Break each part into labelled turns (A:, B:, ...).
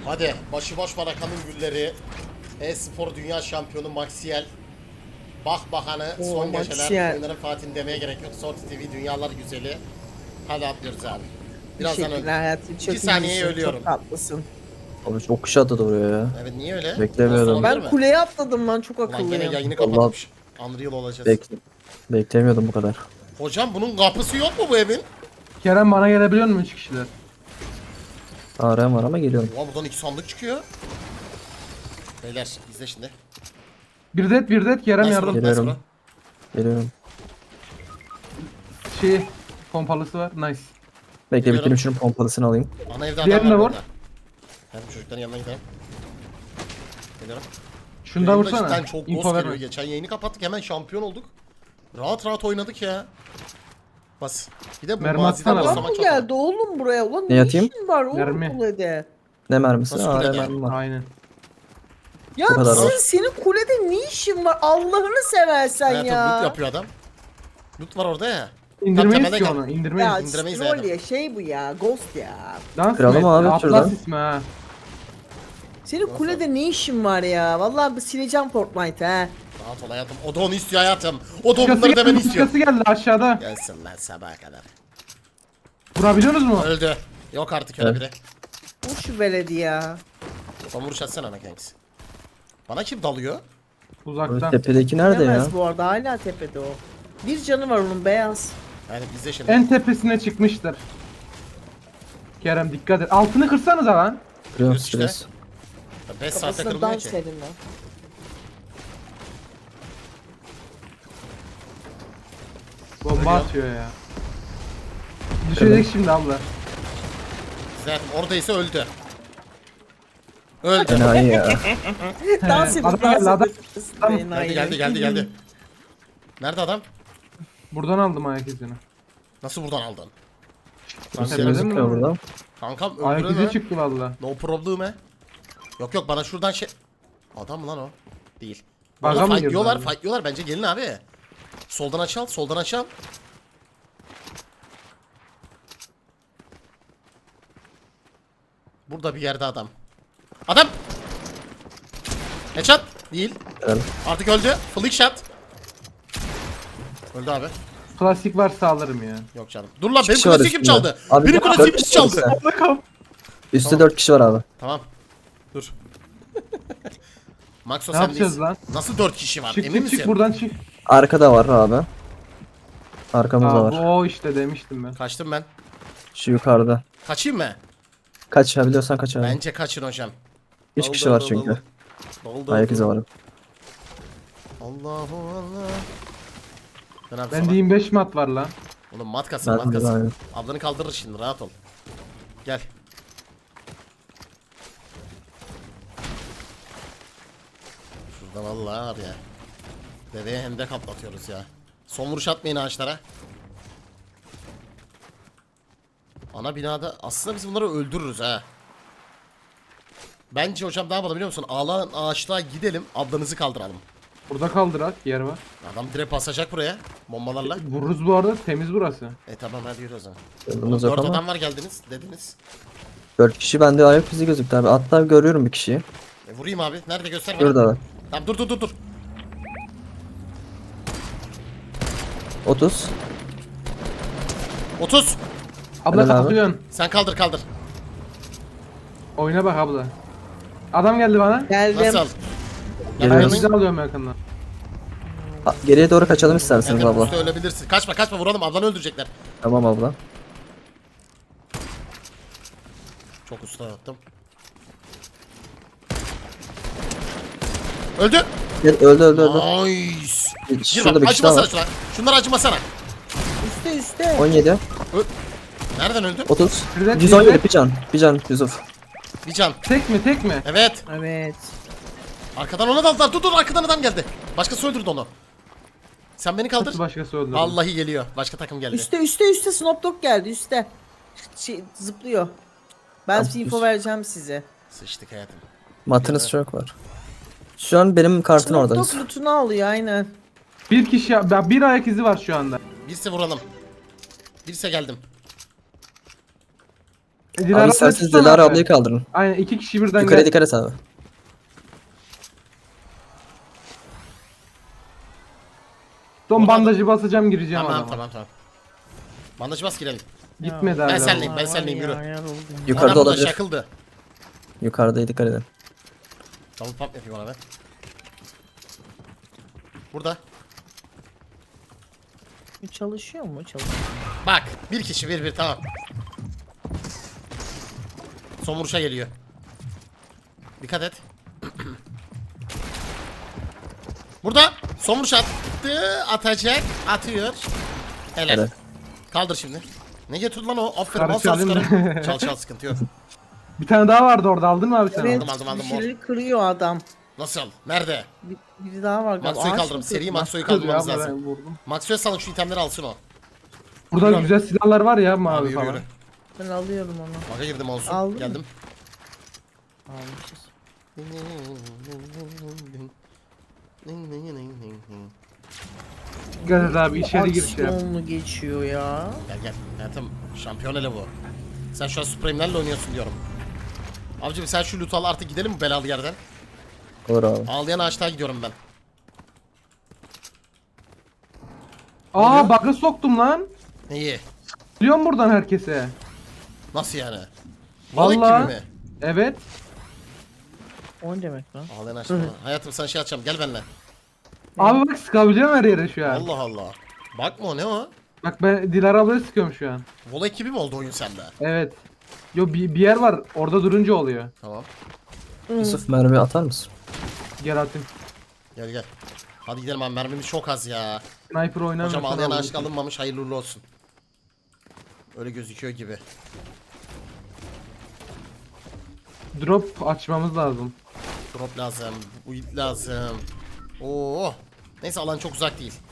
A: Hadi başıboş Barakan'ın gülleri. E-spor dünya şampiyonu Maxiel. Bak bakanı son geceler.
B: Maxiel.
A: Oyunların Fatih'in demeye gerek yok. Sort TV dünyalar güzeli. Hadi atlıyoruz abi. Birazdan öldüm.
B: Teşekkürler hayatım. Çok
A: 2 saniyeye
B: iyisin,
A: ölüyorum.
B: Çok tatlısın.
C: Abi çok kişi atladı oraya ya.
A: Evet niye öyle?
C: Beklemiyordum.
A: Olabilir mi?
B: Ben kuleye atladım lan, çok
A: Ulan gene
B: akıllıyım.
A: yayını
C: Vallahi-
A: kapatmış. Unreal olacağız.
C: Beklemiyordum bu kadar.
A: Hocam bunun kapısı yok mu bu evin?
D: Kerem bana gelebiliyor mu 3 kişiler?
C: ARM var ama geliyorum.
A: Ulan buradan 2 sandık çıkıyor. Beyler izle şimdi.
D: Bir det Kerem
A: Nice
D: yardım.
A: bro, nice
C: Geliyorum.
A: bro.
C: Geliyorum.
D: Şey pompalısı var. Nice.
C: Bekle
A: Geliyorum.
C: bitireyim şunun pompalısını alayım.
A: Ana evde adam
D: Diğerine
A: var
D: vur.
A: burada. Ben çocukların yanına gidelim. Geliyorum.
D: Şunu da
A: Yayında
D: vursana.
A: cidden çok
D: İnfo
A: ghost
D: verme.
A: geliyor. Geçen yayını kapattık hemen şampiyon olduk. Rahat rahat oynadık ya. Bas. Bir de bu
D: Mermi
A: maziden
D: atsana
A: başlamak
B: Adam mı
A: çok
B: geldi oğlum buraya? Ulan
C: Ne
B: ne
C: atayım?
B: işin var oğlum
D: Mermi.
B: kulede?
C: Ne mermisi?
A: Nasıl
C: ARM
A: kulede?
C: mermi var.
D: Aynen.
B: Ya
C: Bu kadar var.
B: senin kulede ne işin var? Allah'ını seversen
A: Hayatım loot
B: ya.
A: yapıyor adam. Loot var orada ya.
D: İndirmeyiz
A: temelde
D: ki
A: gel.
D: onu. İndirmeyiz.
B: Ya
A: indiremeyiz
B: troll
A: yani.
B: ya, şey bu ya, ghost ya.
D: Dans
C: Kıralım
D: mı
C: abi
D: etti?
C: şuradan.
D: Atlas ismi ha.
B: Senin kulede ne işin var ya? Vallahi bir sileceğim Fortnite ha.
A: Rahat ol hayatım. O da onu istiyor hayatım. O da
D: Başkası
A: bunları demeni
D: geldi,
A: istiyor.
D: başkası geldi aşağıda.
A: Gelsin lan sabaha kadar.
D: Vurabiliyorsunuz mu?
A: Öldü. Yok artık öyle
C: Evet.
A: biri.
B: Bu şu veledi ya.
A: Son vuruş atsana ana kanks. Bana kim dalıyor?
D: Uzaktan.
C: Tepedeki nerede ya?
B: Bilemez bu arada, hala tepede o. Bir canı var onun, beyaz.
A: Yani bizde şimdi.
D: En tepesine çıkmıştır. Kerem dikkat et. Altını kırsanıza lan.
C: Kırıyorum
A: işte.
C: stres.
A: 5 saatte
B: Kafasına
A: kırılmıyor
B: dans
A: ki.
B: edin lan.
D: Bomba atıyor ya. Düşecek şimdi abla.
A: Zaten oradaysa öldü. Öldü.
C: Enayi ya.
B: Dans edin,
D: Adam
B: dans
D: geldi, adam.
B: edin.
A: Geldi. Nerede adam?
D: Buradan aldım ayak izini.
A: Nasıl buradan aldın?
C: Nasıl
D: Tepede mi
C: gözüküyor
D: lan?
C: burada?
A: Kankam
D: Ayak
A: öldürün
D: izi
A: ha.
D: çıktı valla.
A: No problem he. Yok bana şuradan şey... Adam mı lan o? Değil.
D: Baga
A: Burada
D: mı girdi
A: fightlıyorlar,
D: abi?
A: fightlıyorlar bence gelin abi. Soldan açal, soldan açal. Burada bir yerde adam. Adam! Headshot! Değil.
C: Evet.
A: Artık öldü. Flick shot. Öldü abi.
D: Plastik varsa alırım ya.
A: Yok canım. Dur lan benim
C: kişi var
A: klasiğim
C: üstünde.
A: çaldı.
C: Abi
A: Benim
C: dört
A: klasiğim
C: kişi
A: çaldı.
C: var Üstte 4 kişi var abi.
A: Tamam. Dur. Maxo
D: Ne
A: sen
D: yapacağız
A: değilsin.
D: lan?
A: Nasıl 4 kişi var?
D: Çık
A: Emin
D: çık
A: misin?
D: çık buradan çık.
C: Arkada var abi. Arkamızda
D: Aa, bu
C: var.
D: o işte demiştim ben.
A: Kaçtım ben.
C: Şu yukarıda.
A: Kaçayım mı?
C: Kaçabiliyorsan kaç abi.
A: Bence kaçın hocam.
C: 3 kişi var çünkü. Ayak izi var.
A: Allahu Allah. Ben abi
D: Bende
A: sana.
D: 25 mat var lan.
A: Oğlum mat kasın mat
C: Ben de
A: kasın.
C: aynı.
A: Ablanı kaldırır şimdi rahat ol. Gel. Şurada vallahi var ya. Deveye hem de kaplatıyoruz ya. Son vuruş atmayın ağaçlara. Ana binada aslında biz bunları öldürürüz ha. Bence hocam ne yapalım biliyor musun? Ağlan ağaçlığa gidelim, ablanızı kaldıralım.
D: Burada kaldırak yer var.
A: Adam direkt basacak buraya bombalarla.
D: Vururuz bu arada, temiz burası.
A: Tamam hadi yürü o zaman.
C: Yolumuz yok
A: 4
C: ama.
A: adam var geldiniz dediniz.
C: 4 kişi bende ayak izi gözüktü abi. Hatta görüyorum bir kişiyi.
A: Vurayım abi. Nerede göster bana.
C: Burada var.
A: Tamam dur.
C: 30.
A: 30.
D: Abla
C: Helal abi.
D: kalkıyorsun.
A: Sen kaldır.
D: Oyuna bak abla. Adam geldi bana.
B: Geldim.
A: Nasıl?
C: Geliyoruz.
D: Ayak
A: Yanına
D: izi alıyorum yakından.
C: Geriye doğru kaçalım isterseniz abla.
A: üstte ölebilirsin. Kaçma vuralım ablanı öldürecekler.
C: Tamam abla.
A: Çok usta yaptım. Öldü.
C: Gel, öldü.
A: Nice. Gir
C: Şurada
A: bak
C: bir kişi daha
A: acımasana
C: var.
A: şuna. Şunları acımasana.
B: Üste.
C: 17.
A: Nereden öldü?
C: 30.
D: Şurada
C: 117 bir can Yusuf.
A: Bir can.
D: Tek mi?
A: Evet.
B: Evet.
A: Arkadan ona daldılar. Dur arkadan adam geldi. Başkası öldürdü onu. Sen beni kaldır.
D: Nasıl başkası öldürdü?
A: Vallahi geliyor. Başka takım geldi.
B: Üste Snoop Dogg geldi üste. Zıplıyor. Ben
C: Tamam,
B: info
C: üst.
B: vereceğim size.
A: Sıçtık hayatım.
C: Matınız çok var. Şu an benim kartın
B: Snoop
C: orada.
B: Dogg
C: Yusuf.
B: lootunu alıyor aynen.
D: Bir kişi, bir ayak izi var şu anda.
A: Birisi vuralım. Birisi geldim.
D: Dilara
C: Abi isterseniz
D: tutsana
C: Dilara
D: abi.
C: ablayı kaldırın.
D: Aynen 2 kişi birden
C: Yukarıya
D: gel.
C: dikkat et abi.
D: Son
A: Orada-
D: bandajı basacağım gireceğim
A: Tamam
D: adama.
A: tamam tamam. Bandajı bas girelim.
D: Gitmedi
A: Ben
D: hala.
A: senleyim, ben senleyim, yürü.
C: Yukarıda
A: Adam burada
C: olabilir.
A: şakıldı.
C: Yukarıda dikkat edin.
A: Double pump yapayım ona ben. Burada.
B: Çalışıyor mu? Çalışıyor.
A: Bak bir kişi bir tamam. Son vuruşa geliyor. Dikkat et. Burada son vuruş attı. Atacak. Atıyor. Helal.
C: Evet.
A: Kaldır şimdi. Ne getirdi lan o? Aferin.
D: Karı
A: Al sağ
D: çalayım
A: sıkarım. Çal çal sıkıntı yok.
D: Bir tane daha vardı orada, aldın mı abi sen?
B: Evet,
A: aldım,
B: bir
A: mor.
B: şeyleri kırıyor adam.
A: Nasıl? Nerede?
B: Biri daha var galiba.
A: Maxo'yu
B: Ağaç
A: kaldırın.
B: mı
A: Seri
B: kırdı?
A: Maxo'yu
D: Kız ya,
A: kaldırmamız
D: ben
A: lazım.
D: vurdum.
A: Maxo'ya salın şu itemleri alsın o.
D: Burada
A: Yürü.
D: güzel silahlar var ya
A: Abi
D: mavi
A: yürü
D: falan.
A: yürü.
B: Ben alıyorum onu.
A: Baka girdim olsun.
B: Aldın mı?
A: Geldim.
B: Almışız.
D: Dikkat et abi içeri gir şey yap.
B: Aksiyonlu geçiyor ya.
A: Gel gel. Hayatım şampiyon ele bu. Sen şu an Supreme'lerle oynuyorsun diyorum. Abicim sen şu loot al artık gidelim mi belalı yerden?
C: Olur abi.
A: Ağlayan ağaçlığa gidiyorum ben.
D: Aa bug'ı soktum lan.
A: İyi.
D: Biliyorum buradan herkese.
A: Nasıl yani? Balık
D: Vallahi.
A: gibi mi?
D: Evet.
B: O ne demek lan?
A: Ağlayan ağaçlığa. Hayatım sen şey atacağım gel benimle.
D: Abi bak sıkabiliyorum her yere şu an.
A: Allah Allah. Bakma o ne o?
D: Bak ben Dilara ablayı sıkıyorum şu an.
A: Vola ekibi mi oldu oyun sende?
D: Evet. Yo bir yer var orada durunca oluyor.
A: Tamam.
C: Yusuf mermi atar mısın?
D: Gel atayım.
A: Gel gel. Hadi gidelim abi mermimiz çok az ya.
D: Sniper oynamıyorsan
A: Hocam ağlayan
D: alırsın.
A: ağaçlık alınmamış hayırlı uğurlu olsun. Öyle gözüküyor gibi.
D: Drop açmamız lazım.
A: Drop lazım. Build lazım. Oo. Neyse alan çok uzak değil.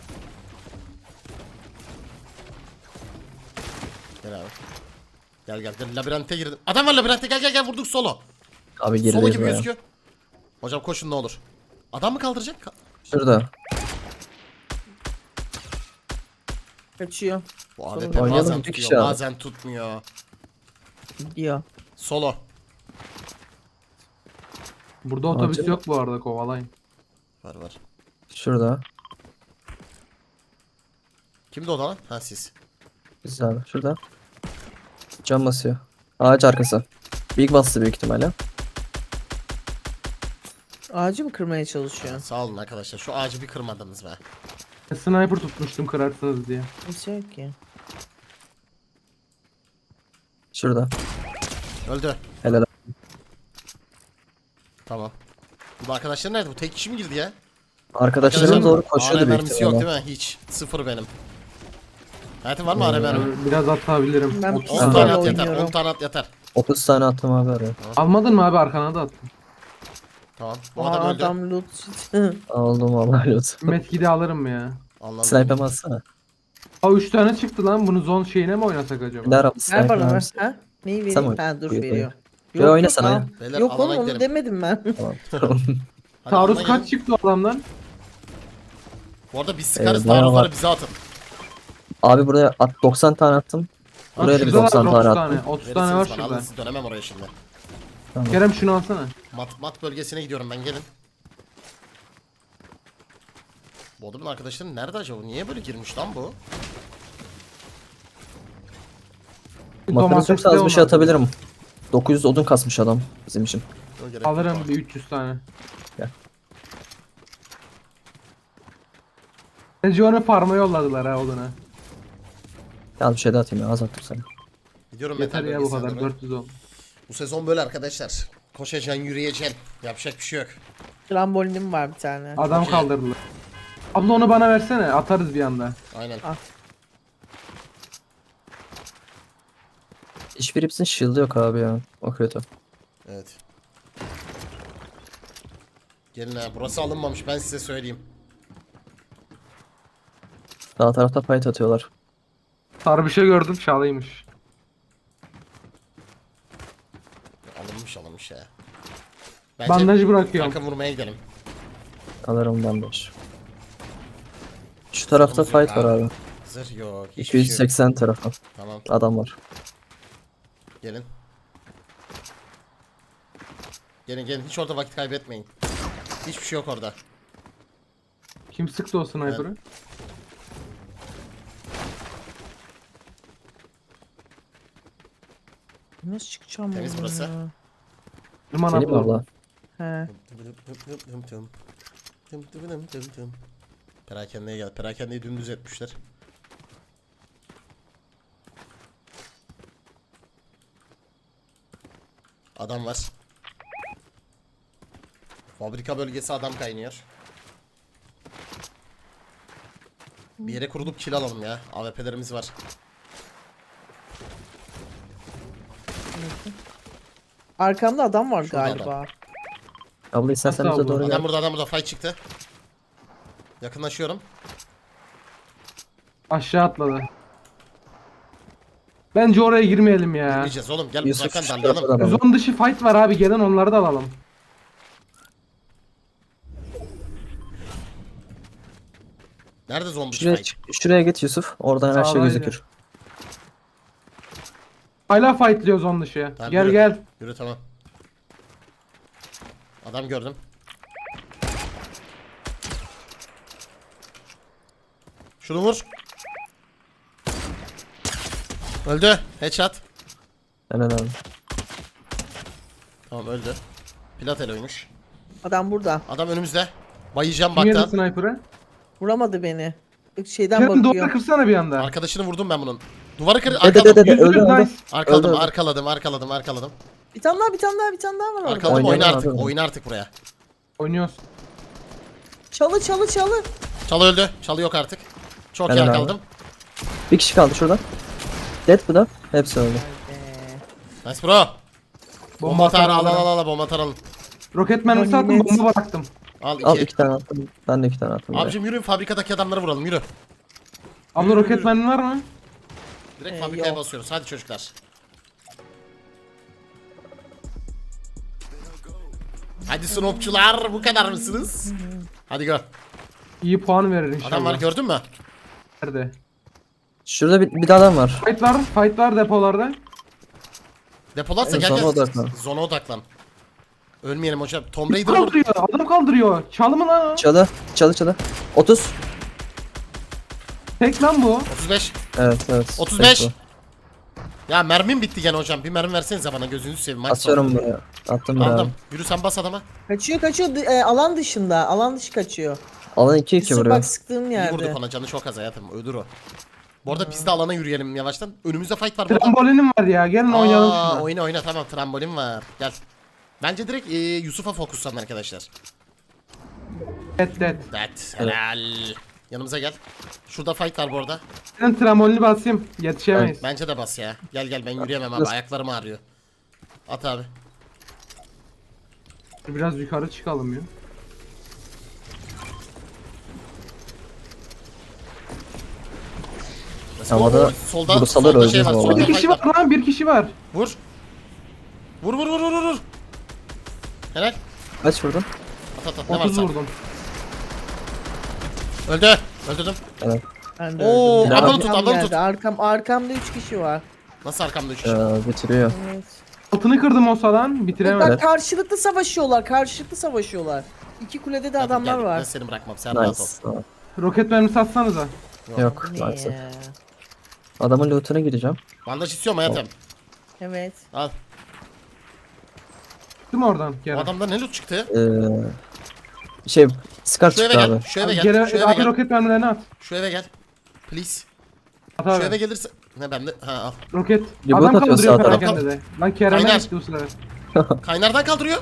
A: Gel abi. Gel gel gel labirente girdim. Adam var labirente gel gel gel vurduk solo.
C: Abi
A: Solo
C: gerideyiz
A: gibi
C: baya.
A: gözüküyor. Hocam koşun ne olur. Adam mı kaldıracak?
C: Şurada.
B: Kaçıyor.
A: Bu AWP
C: Oynayalım,
A: bazen
C: bir
A: tutuyor
C: kişi abi.
A: bazen tutmuyor.
B: Gidiyor.
A: Solo.
D: Burada otobüs
C: Acaba-
D: yok bu arada, kovalayın.
A: Var var.
C: Şurada.
A: Kimdi o da lan? Ha siz.
C: Biz abi. Şurada. Cam basıyor. Ağaç arkası. Big bastı büyük ihtimalle.
B: Ağacı mı kırmaya çalışıyor?
A: Sağ olun arkadaşlar. Şu ağacı bir kırmadınız be.
D: Sniper tutmuştum kırarsınız diye.
B: Kimse yok ki.
C: Şurada.
A: Öldü.
C: Helal.
A: Tamam. Bu arkadaşlar nerede? Bu tek kişi mi girdi ya?
C: Arkadaşlarım doğru koşuyordu
A: AR
C: büyük
A: mermisi yok
C: ihtimalle.
A: değil mi? Hiç. Sıfır benim. Hayatım var mı AR mermi?
D: Ben biraz atabilirim.
B: Ben
A: 10
B: pistol
A: tane at yeter.
B: oynuyorum.
A: 10 tane at yeter.
C: 30 tane attım abi araya.
D: Almadın mı abi, arkana da attım.
A: Tamam. Bu adam öldü.
B: Adam loot.
C: Aldım vallahi loot.
D: Metkidi alırım ya.
A: Anladım.
C: Sniper'ımı atsana.
D: Aa 3 tane çıktı lan, bunu zone şeyine mi oynasak acaba?
C: Dilara abla
B: Ver
C: sniper
B: bana ver.
C: misin?
B: Ha? Neyi
C: Sen
B: vereyim?
C: oyna.
B: Ha dur
C: Buyur,
B: veriyor.
C: buyur. Ya oynasana
B: al.
C: ya.
A: Beyler,
B: Yok
A: alana
B: oğlum onu
A: gidelim.
B: demedim ben.
C: Tamam. Tamam.
A: Hadi
D: Taarruz
A: alana
D: kaç
A: gelin.
D: çıktı o adamdan?
A: Bu arada biz sıkarız.
C: bayağı
A: Taarruzları
C: var.
A: bize atın.
C: Abi buraya 90 tane attım. Buraya da bir
D: Şurada
C: 90
D: var,
C: tane
D: 30
C: attım.
D: 30 tane var
A: Verirsiniz bana. Alın
D: şurada.
A: siz dönemem oraya şimdi.
D: Kerem şunu alsana.
A: Mat bölgesine gidiyorum ben gelin. Bu adamın arkadaşları nerede acaba? Niye böyle girmiş lan bu?
C: Makarası yoksa az bir şey
D: onlar.
C: atabilirim. 900 odun kasmış adam bizim için.
A: Yok, gerek yok.
D: Alırım bir 300 tane.
C: Gel.
D: Bence onu farma yolladılar ha oduna.
C: Ya bir şey daha atayım ya az attım sana.
A: Gidiyorum
D: Yeter
A: metal
D: ya bu
A: bölgesine
D: kadar,
A: doğru.
D: 410.
A: Bu sezon böyle arkadaşlar. Koşacaksın, yürüyeceksin. Yapacak bir şey yok.
B: Trambolinim var bir tane.
D: Adam
A: Okey.
D: kaldırdılar. Abla onu bana versene, atarız bir anda.
A: Aynen.
C: Hiçbir hepsinin shield'ı yok abi ya. O kötü.
A: Evet. Gelin ha. Burası alınmamış ben size söyleyeyim.
C: Sağ tarafta fight atıyorlar.
D: Sarı bir şey gördüm, çalıymış.
A: Alınmış ya. Bence
D: Bandajı bırakıyorum.
A: takım vurmaya gidelim.
C: Alırım bandaj. Şu tarafta fight var abi.
A: Zırh yok. Hiçbir şey yok.
C: 280 tarafı.
A: Tamam
C: Adam var.
A: gelin. Gelin gelin, hiç orada vakit kaybetmeyin. Hiçbir şey yok orada.
D: Kim sıktı o sniper'ı?
B: Nasıl çıkacağım
A: Temiz
B: buradan
A: burası.
B: ya?
D: Irman
C: Benim
D: abla.
C: abla.
B: He.
A: Perakendeye gel. Perakendeyi dümdüz etmişler. Adam var. Fabrika bölgesi adam kaynıyor. Bir yere kurulup kill alalım ya. AWP'lerimiz var.
B: Arkamda adam var
A: Şurada
B: galiba.
C: Abla istersen
D: Nasıl
C: bize
D: abla?
C: doğru gel.
A: Adam burada fight çıktı. Yakınlaşıyorum.
D: Aşağı atladı. Bence oraya girmeyelim ya.
A: Girmeyeceğiz oğlum, gel
C: Yusuf
A: uzaktan
C: şu
A: darlayalım.
C: tarafa da
D: Zon dışı fight var abi, gelin onları da alalım.
A: Nerede zombi
C: Şuraya,
A: fight?
C: şuraya git Yusuf. Oradan her şey
D: Sağdaydı.
C: gözükür.
D: Hala fightlıyor zon dışı.
A: Tamam,
D: Gel
A: yürü.
D: gel.
A: Yürü tamam. Adam gördüm. Şunu vur. Öldü. Headshot.
C: Helal abi.
A: Tamam öldü. Platel oymuş.
B: Adam burada.
A: Adam önümüzde. Bayacağım
D: Kim yedi
A: baktan.
D: sniper'ı?
B: Vuramadı beni. Şeyden
D: Kerem
B: bakıyor.
D: duvarı kırsana bir anda.
A: Arkadaşını vurdum ben bunun. Duvarı kır.
C: Dede
A: Arkaladım.
C: dede öldü öldü.
D: Nice.
A: Arkaladım,
C: Öldü, öldü.
A: arkaladım.
B: Bir tane daha, bir tane daha, bir tane daha var orada.
A: Arkaladım, oyna
C: Oynayalım
A: artık.
C: abi.
A: Oyna artık buraya.
D: Oynuyoruz.
B: Çalı çalı çalı.
A: Çalı öldü. Çalı yok artık. Çok iyi
C: Helal abi.
A: arkaladım.
C: Bir kişi kaldı şurada. Dead bu da. Hepsi öldü.
A: Nice bro. Bomba atar, al
D: atarım.
A: al bomba atar alın.
D: Roket mermisi
B: Ulan
D: attım,
B: nimet.
D: bomba bıraktım.
A: Al
C: Al
A: 2.
C: 2 tane attım. Ben de 2 tane attım.
A: Abicim yürüyün, fabrikadaki adamları vuralım, yürü.
D: Abla roket mermi var mı?
A: Direkt fabrikaya
B: yok.
A: basıyoruz. Hadi çocuklar. Hadi snopçular, bu kadar mısınız? Hadi go.
D: İyi puan verir inşallah.
A: Adam var, gördün mü?
D: Nerede?
C: Şurada bir de adam var.
D: Fight var depolarda.
A: Depolarsa
C: Evet,
A: gel
C: zona
A: gel.
C: odaklan.
A: Zona odaklan. Ölmeyelim hocam. Tomb Raider vur.
D: Kaldırıyor, adam kaldırıyor. Çalı mı lan o?
C: Çalı. 30.
D: Tek lan bu.
A: 35.
C: Evet.
A: 35.
C: Tek
A: Ya mermim bitti gene hocam. Bir mermi versenize bana, gözünüzü seveyim.
C: bu.
A: Maç
C: Atıyorum buraya. Attım
A: sonu.
C: buraya.
A: Aldım. Yürü sen bas adama.
B: Kaçıyor kaçıyor. Alan dışında. Alan dışı kaçıyor.
C: Alan 2-2
B: Yusuf
C: vuruyor.
B: bak sıktığım
A: İyi vurduk
B: yerde.
A: ona, canı çok az hayatım. Ölür o. Bu arada biz de alana yürüyelim yavaştan. Önümüzde fight var burada.
D: Trambolinim var ya, gelin oynayalım şunu.
A: Oyna tamam, trambolin var. Gel. Bence direkt Yusuf'a fokuslanın arkadaşlar.
D: Dead.
A: Evet, helal. Yanımıza gel. Şurada fight var bu arada.
D: Ben trambolini basayım, yetişemeyiz.
A: Bence de bas ya. Gel ben yürüyemem abi,
C: Nasıl?
A: ayaklarım ağrıyor. At abi.
D: Biraz yukarı çıkalım ya.
C: Havada
A: solda
C: vursalar
A: solda şey
C: öleceğiz
A: var.
C: vallahi.
A: Solda
D: Bir
A: fight
D: kişi
A: var.
D: var lan, bir kişi var.
A: Vur. Vur. Helal.
C: Kaç vurdun?
A: At ne
D: 30
A: varsa.
D: vurdum.
A: Öldü. Öldürdüm.
C: Evet.
B: Ben de
A: Oo,
B: öldüm.
C: ablanı
A: tut,
B: Arkam
A: ablanı
B: geldi.
A: tut.
B: Arkamda 3 kişi var.
A: Nasıl arkamda 3 kişi?
C: Bitiriyor.
B: Evet.
D: Altını kırdım o salan, bitiremedim.
B: Bak karşılıklı savaşıyorlar. İki kulede de
A: Hadi
B: adamlar
A: gel, Ben
B: var.
A: seni bırakmam. Sen rahat ol.
C: Nice. Tamam.
D: Roket mermisi atsanıza.
C: Yok.
B: Ne
C: Maalesef.
B: ya?
C: Adamın lootuna gireceğim.
A: Bandaj istiyorum hayatım.
B: Evet.
A: Al.
D: Değil mi oradan
A: Bu
D: Kerem?
A: adamda ne loot çıktı?
C: Scar
A: Şu eve
C: çıktı
A: gel.
C: abi.
A: Şu eve gel.
D: Gel,
A: Şu eve
D: abi
A: gel.
D: roket mermilerini at.
A: Şu eve gel. Please.
D: At
A: Şu
D: abi.
A: eve gelirse... Ne bende? Ha al.
D: Roket.
C: Reboot
D: Adam
C: atıyor
D: kaldırıyor
C: sağ tarafa.
D: perakende de. Lan Kerem'e
A: Kaynar.
D: gitti bu sefer.
A: Kaynardan kaldırıyor.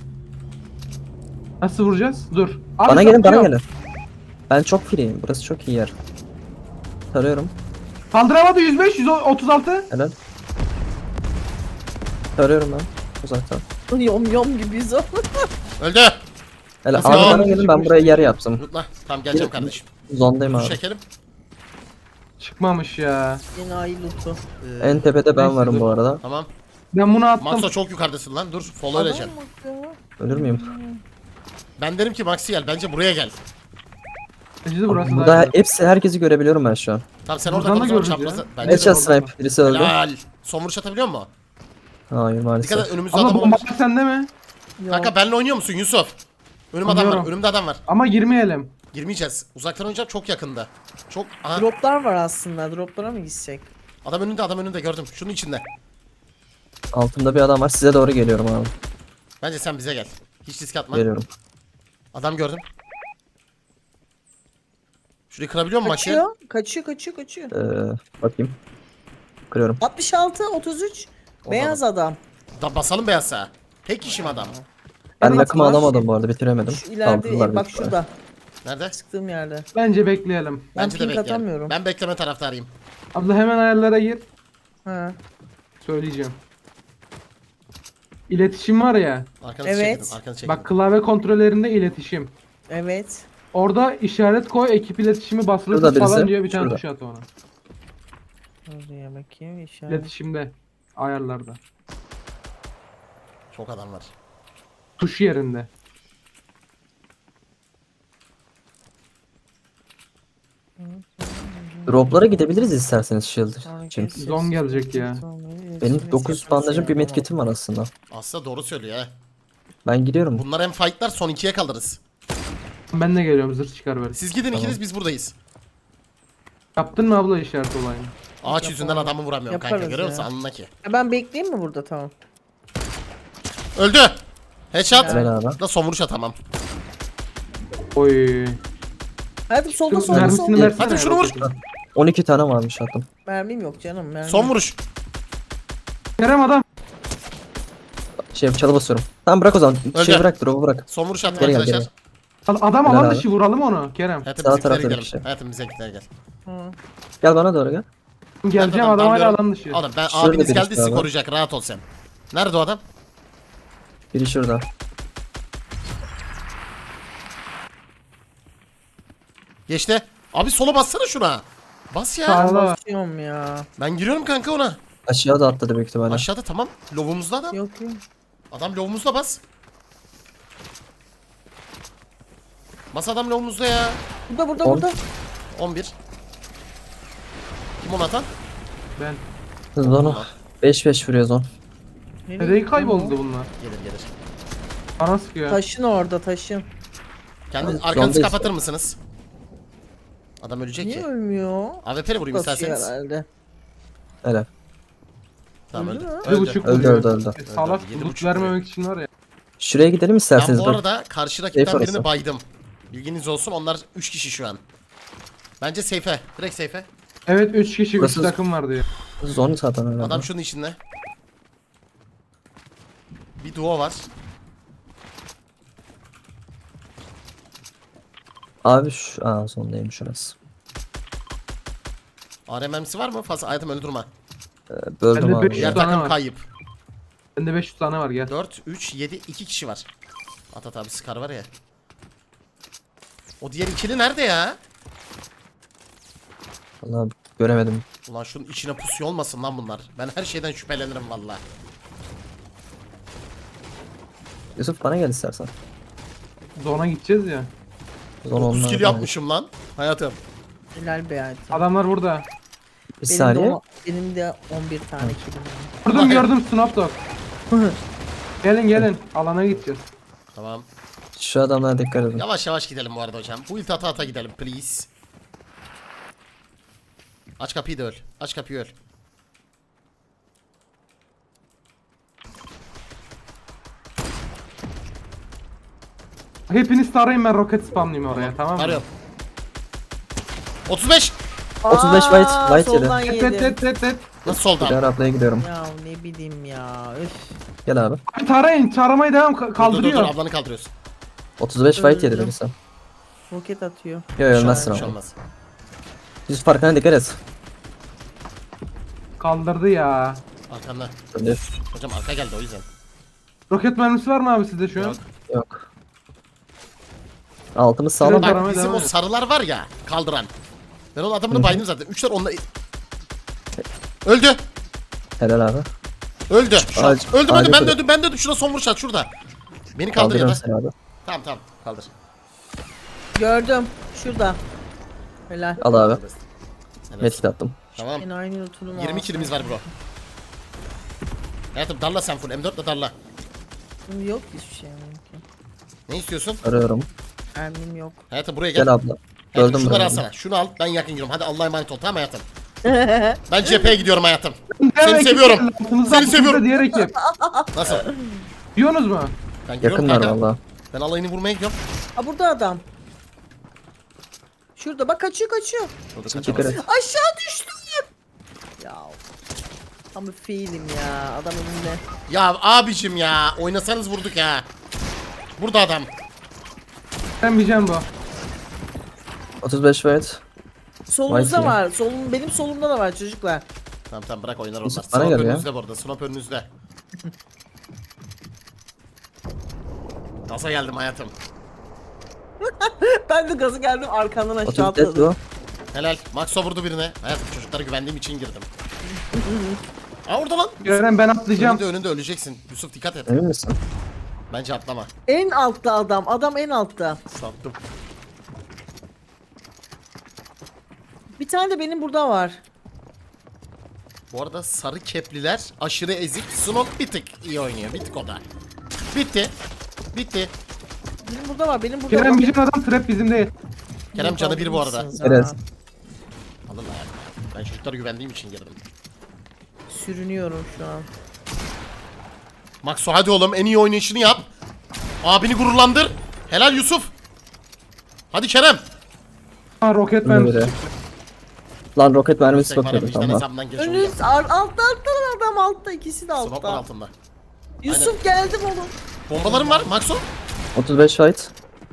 D: Nasıl vuracağız? Dur. Abi
C: Bana gelin
D: satıyor.
C: Ben çok free'yim. Burası çok iyi yer. Tarıyorum.
D: Kaldıramadı 105, 136.
C: Helal. Tarıyorum ben. Uzaktan.
B: Yom gibiyiz o.
A: Öldü.
C: Helal.
A: Nasıl
C: Abi
A: ya?
C: bana gelin, ben buraya yer yaptım.
A: Lootla. Tamam geleceğim kardeşim.
C: Zondayım
A: Dur
C: abi.
A: çekelim.
D: Çıkmamış ya.
B: Enayi lootu.
C: En tepede ben
D: Neyse,
C: varım
D: dur.
C: bu arada.
A: Tamam.
D: Ben bunu attım.
A: Maxo çok yukarıdasın lan. Dur. Follow
B: Adam
A: öleceğim.
B: bak ya.
C: Ölür müyüm?
A: Ben derim ki Maxi gel. Bence buraya gel.
D: Bence de burası
C: Burada
D: daha güzel.
C: herkesi görebiliyorum ben şu an.
A: Tamam sen orada
D: Buradan
A: kal
D: da
A: o zaman
D: görürüz
A: çaprazda.
D: ya.
A: Bence de
C: Headshot
A: orada.
C: snipe birisi öldü.
A: Helal. Son vuruş atabiliyor mu?
C: Hayır
A: Dikkat
C: maalesef.
A: et, önümüzde
D: Abla
A: adam
D: bomba
A: olmuş.
D: sende mi?
B: Yok.
A: Kanka benle oynuyor musun Yusuf? Önüm adam var.
D: Oynuyorum.
A: Önümde adam var.
D: Ama girmeyelim.
A: Girmeyeceğiz. Uzaktan oynayacağım, çok yakında. Çok... Aha.
B: Droplar var aslında. Droplara mı gitsek?
A: Adam önünde gördüm. Şunun içinde.
C: Altımda bir adam var. Size doğru geliyorum abi.
A: Bence sen bize gel. Hiç risk atma.
C: Geliyorum.
A: Adam gördüm. Şurayı kırabiliyor musun maçı?
B: Kaçıyor.
C: Bakayım. Kırıyorum.
B: 66, 33. Beyaz adam.
A: Da basalım beyazsa. Tek kişim adam.
C: Ben
B: Evet,
C: yakımı
B: var.
C: alamadım bu arada. Bitiremedim.
B: Şu ileride
C: Kaldırdılar
B: bak
C: büyük ihtimalle.
B: şurada.
A: Nerede?
B: Sıktığım yerde.
D: Bence bekleyelim.
B: Ben
A: Bence de
B: ping
A: bekleyelim.
B: atamıyorum.
A: Ben bekleme taraftarıyım.
D: Abla hemen ayarlara gir.
B: Ha.
D: Söyleyeceğim. İletişim var ya.
A: Arkanızı
B: Evet.
A: çekin. Arkanızı çekin.
D: Bak klavye kontrollerinde iletişim.
B: Evet.
D: Orada işaret koy, ekip iletişimi basılı
C: Şurada
D: tut falan
C: birisi,
D: diyor, bir tane
C: şurada.
D: tuş at ona.
B: Oraya bakayım işaret.
D: İletişimde. Ayarlarda.
A: Çok adam var.
D: Tuş yerinde.
C: Droplara gidebiliriz isterseniz shield için.
D: Zon gelecek ya.
C: Benim 9 bandajım bir medkitim var aslında.
A: Aslında doğru söylüyor ha.
C: Ben gidiyorum.
A: Bunlar hem fightlar, son 2'ye kalırız.
D: Ben de geliyorum, zırh çıkar böyle.
A: Siz gidin ikiniz, biz buradayız.
D: Yaptın mı abla işaret olayını?
A: Ağaç yüzünden adamı vuramıyorum kanka,
B: Yaparız
A: görüyor musun?
B: ya.
A: Alnına ki.
B: Ben bekleyeyim mi burada tamam.
A: Öldü. Headshot.
C: Helal abi.
A: Da son vuruş atamam.
D: Oy.
B: Hadi solda
D: Şu
B: solda
D: mermisini
B: solda.
D: versene.
A: Hadi şunu vur.
D: roketi.
C: 12 tane varmış attım.
B: Mermim yok canım. Mermim.
A: Son vuruş.
D: Kerem adam.
C: Çalı basıyorum. Tamam bırak o zaman.
A: Öldü.
C: Bırak drop'u bırak.
A: Son vuruş attım
C: Geri gel,
A: arkadaşlar.
C: geri
D: Adam
C: Helal
D: alan
C: abi.
D: dışı, vuralım onu Kerem.
A: Hayatım
C: Sağ
A: bizimkilere
C: tarafta bir
A: gidelim.
C: şey.
A: Hayatım bizimkilere gel.
B: Hı.
C: Gel bana doğru gel.
D: Geleceğim,
A: Ben
D: adam hala
A: dalıyorum.
D: alan dışı.
A: Oğlum ben
C: Şurada
A: abiniz
C: birisi
A: geldi sizi
C: daha var.
A: koruyacak, rahat ol sen. Nerede o adam?
C: Biri şurada.
A: Geçti. Abi sola bassana şuna. Bas ya.
D: Sağ ol.
B: Basıyorum ya.
A: Ben giriyorum kanka ona.
C: Aşağı da atladı büyük ihtimalle.
A: Aşağıda tamam. Lovumuzda adam.
B: Yok yok.
A: Adam lovumuzda bas. Bas adam lovumuzda ya.
B: Burada
C: On.
B: burada.
A: 11. Kim onu atan?
D: Ben.
C: Zonu 5-5 vuruyor zon.
D: Nereye kayboldu bunlar?
A: Gelir.
D: Bana sıkıyor.
B: Taşın orada taşın.
A: Kendi
C: Abi,
A: arkanızı
C: zondayız
A: kapatır
C: ya.
A: mısınız? Adam ölecek
B: Niye
A: ki.
B: ölmüyor?
A: AWP'le vurayım
B: Basıyor
A: isterseniz.
B: herhalde.
C: Helal.
A: Tamam
B: Öldü
A: öldü.
B: mü?
D: 7.5
C: Öldü,
D: vuruyor.
C: öldü.
D: Salak,
A: 7.5
D: loot vermemek için var ya.
C: Şuraya gidelim
A: Ben
C: isterseniz
A: bu
C: bak.
A: arada karşı rakipten
C: Safe
A: birini
C: orası.
A: baydım. Bilginiz olsun, onlar 3 kişi şu an. Bence safe'e. Direkt safe'e.
D: Evet 3 kişi, 3
C: Burası-
D: takım var diyor.
C: Zon zaten herhalde.
A: Adam şunun içinde. Bir duo var.
C: Abi şu... Aa zondaymış şurası.
A: RMM'si var mı? Fazla hayatım öyle durma.
C: Böldüm
D: Bende
C: abi.
D: beş-
C: ya.
A: Diğer
D: tane
A: takım
D: var.
A: kayıp.
D: Bende 500 tane var, gel.
A: 4, 3, 7, 2 kişi var. Atat abi Scar var ya. O diğer ikili nerede ya?
C: Vallahi göremedim.
A: Ulan şunun içine pusuyor olmasın lan bunlar. Ben her şeyden şüphelenirim valla.
C: Yusuf bana gel istersen.
D: Zona gideceğiz ya.
C: Zon
A: 30
C: onlar.
A: kill yapmışım lan. Hayatım.
B: Helal be hayatım.
D: Adamlar burada.
C: Bir
B: Benim
C: saniye.
B: benim de 11 tane kilim var.
D: Gördüm Snapdog. Gelin alana gideceğiz.
A: Tamam.
C: Şu adamlara dikkat edin.
A: Yavaş yavaş gidelim bu arada hocam. Bu ilk ata gidelim please. Aç kapıyı da öl. Aç kapıyı öl.
D: Hepiniz tarayın, ben roket spamlayayım oraya, tamam mı?
A: Arıyorum. 35.
C: 35 white, white yedi.
B: soldan
D: Et
B: yedim.
D: et.
A: Nasıl soldan?
C: Bir ablaya gidiyorum.
B: Ya ne bileyim ya. Üf.
C: Gel abi.
D: Abi tarayın, taramaya devam,
A: Dur,
D: kaldırıyor.
A: ablanı kaldırıyorsun.
C: 35 white yedi
B: Öldüm.
C: birisi.
B: Roket atıyor.
C: Yo ölmezsin
A: Bir şey
C: ama.
A: olmaz.
C: Yusuf arkana dikkat et.
D: Kaldırdı ya.
A: Arkanda.
C: Öldü.
A: Hocam arka geldi o yüzden.
D: Roket mermisi var mı abi sizde şu an?
A: Yok.
C: Yok. Altımız sağlam.
D: Şurada-
A: Bak
D: Aramaya
A: bizim
D: devam
A: o
D: et.
A: sarılar var ya kaldıran. Ben onun adamını baydım zaten. 3'ler onunla... Öldü.
C: Helal abi.
A: Öldü. Şu an.
C: Ağaç-
A: Öldüm
C: ağacı
A: ben
C: kırık.
A: öldüm ben de öldüm. Şurada son vuruş at şurada. Beni kaldır ya
C: Kaldırıyorum
A: da.
C: seni abi.
A: Tamam kaldır.
B: Gördüm. Şurada. Helal.
C: Al abi.
A: Evet.
C: Medkit attım.
A: Tamam.
B: Yine aynı lootunumu
A: 20
B: alsam.
A: kilimiz var bro. Hayatım darla sen full. M4 ile darla.
B: Yok hiçbir şey yok.
A: Ne istiyorsun?
C: Arıyorum.
B: Mermim yok.
A: Hayatım buraya gel.
C: Gel abla.
A: Hayatım
C: Gördüm
A: şunları
C: burayı.
A: alsana. Şunu al ben yakın gidiyorum. Hadi Allah'a emanet ol tamam hayatım. Ben cepheye gidiyorum hayatım.
D: Diğer
A: Seni
D: ekip
A: seviyorum.
D: geldi, altımızda,
A: Seni
D: altımızda
A: seviyorum.
D: Diğer ekip.
A: Nasıl?
D: Diyorsunuz mu?
A: Ben gidiyorum
C: Yakınlar
A: kanka.
C: valla.
A: Ben alayını vurmaya gidiyorum.
B: Ha burada adam. Şurada bak kaçıyor.
A: Şurada
C: Dikkat
A: kaçamaz.
C: et.
B: Aşağı düştüm. Ya. Tam bir feilim ya. Adam önünde.
A: Ya abicim ya. Oynasanız vurduk ya. Burada adam.
D: Ben bileceğim bu.
C: 35 fight.
B: Solumuzda
C: Vay ki.
B: var. Benim solumda da var çocuklar.
A: Tamam bırak oynar onlar.
C: Yusuf, bana
A: Snop
C: gel ya.
A: önünüzde bu arada. Snop önünüzde. Gaza geldim hayatım.
B: Ben de gazı geldim arkandan aşağı
C: 30 dead
B: atladım.
C: bu.
A: Helal. Maxo vurdu birine. Hayatım çocuklara güvendiğim için girdim. Aa orada lan.
D: Kerem ben atlayacağım.
A: Önünde öleceksin. Yusuf dikkat et.
C: Emin misin?
A: Bence atlama.
B: En altta adam. Adam en altta.
A: Sattım.
B: Bir tane de benim burada var.
A: Bu arada sarı kepliler aşırı ezik. Snop bir tık iyi oynuyor. Bir tık o da. Bitti. Bitti.
B: Benim burada var. Benim burada
D: Kerem
B: var.
D: bizim adam trap bizim değil.
A: Kerem canı bir bu arada.
B: Mısınız ha?
C: Evet.
A: Alın hayatım. Ben çocuklara güvendiğim için girdim.
B: Sürünüyorum şu an.
A: Maxo hadi oğlum en iyi oynayışını yap. Abini gururlandır. Helal Yusuf. Hadi Kerem.
D: Ha roket
C: Önüne
D: mermisi.
C: biri. Lan roket mermisi
A: Tek var ya
C: bakıyordum
A: vicdan
C: tamam.
A: hesabından geç
B: Önünüz
A: olacak.
B: altta adam altta. İkisi de
A: Snop var
B: altta.
A: altında.
B: Yusuf geldim oğlum.
A: Bombalarım var Maxo.
C: 35 fight.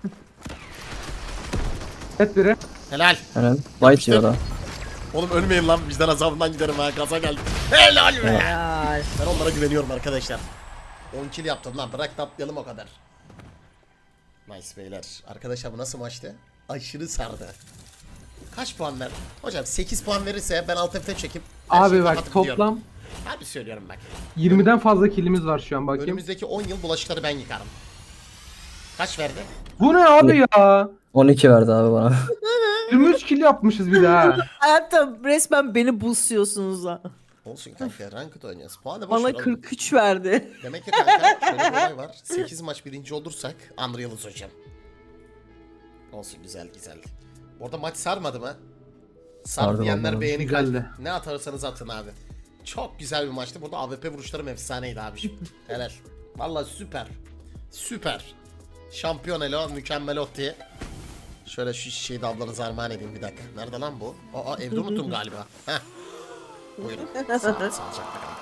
D: Et biri.
A: Helal.
C: Aynen. White yiyor da.
A: Oğlum ölmeyin lan vicdan azabından giderim ha gaza geldim. Helal be.
B: Ya.
A: Ben onlara güveniyorum arkadaşlar. 10 kill yaptım lan bırak da atlayalım o kadar. Nice beyler. Arkadaşlar bu nasıl maçtı? Aşırı sardı. Kaç puan ver? Hocam 8 puan verirse ben alt F4 çekip her şeyi
D: Abi bak
A: kapatıp gidiyorum.
D: toplam
A: Abi söylüyorum bak.
D: 20'den fazla killimiz var şu an bakayım.
A: Önümüzdeki 10 yıl bulaşıkları ben yıkarım. Kaç verdi?
D: Bu ne abi ya?
C: 12 verdi abi bana.
D: 23 kill yapmışız bir daha.
B: Hayatım resmen beni boostluyorsunuz ha.
A: Olsun kanka ranked oynuyoruz. Puanı boş
B: Bana
A: ver oğlum.
B: 43 verdi.
A: Demek ki kanka şöyle bir olay var. 8 maç birinci olursak Unreal'ız hocam. Olsun güzel. Orada maç sarmadı mı? Sardı
C: Sardı
A: diyenler
C: vallahi.
A: beğeni
D: Güzeldi.
A: kalp. Ne atarsanız atın abi. Çok güzel bir maçtı. Burada AWP vuruşlarım efsaneydi abiciğim. Helal. Vallahi süper. Süper. Şampiyon elo, mükemmel ot diye. Şöyle şu şişeyi de ablanıza armağan edeyim bir dakika. Nerede lan bu? Aa evde unuttum galiba. Heh. Buyurun. Sağlıcakla kalın.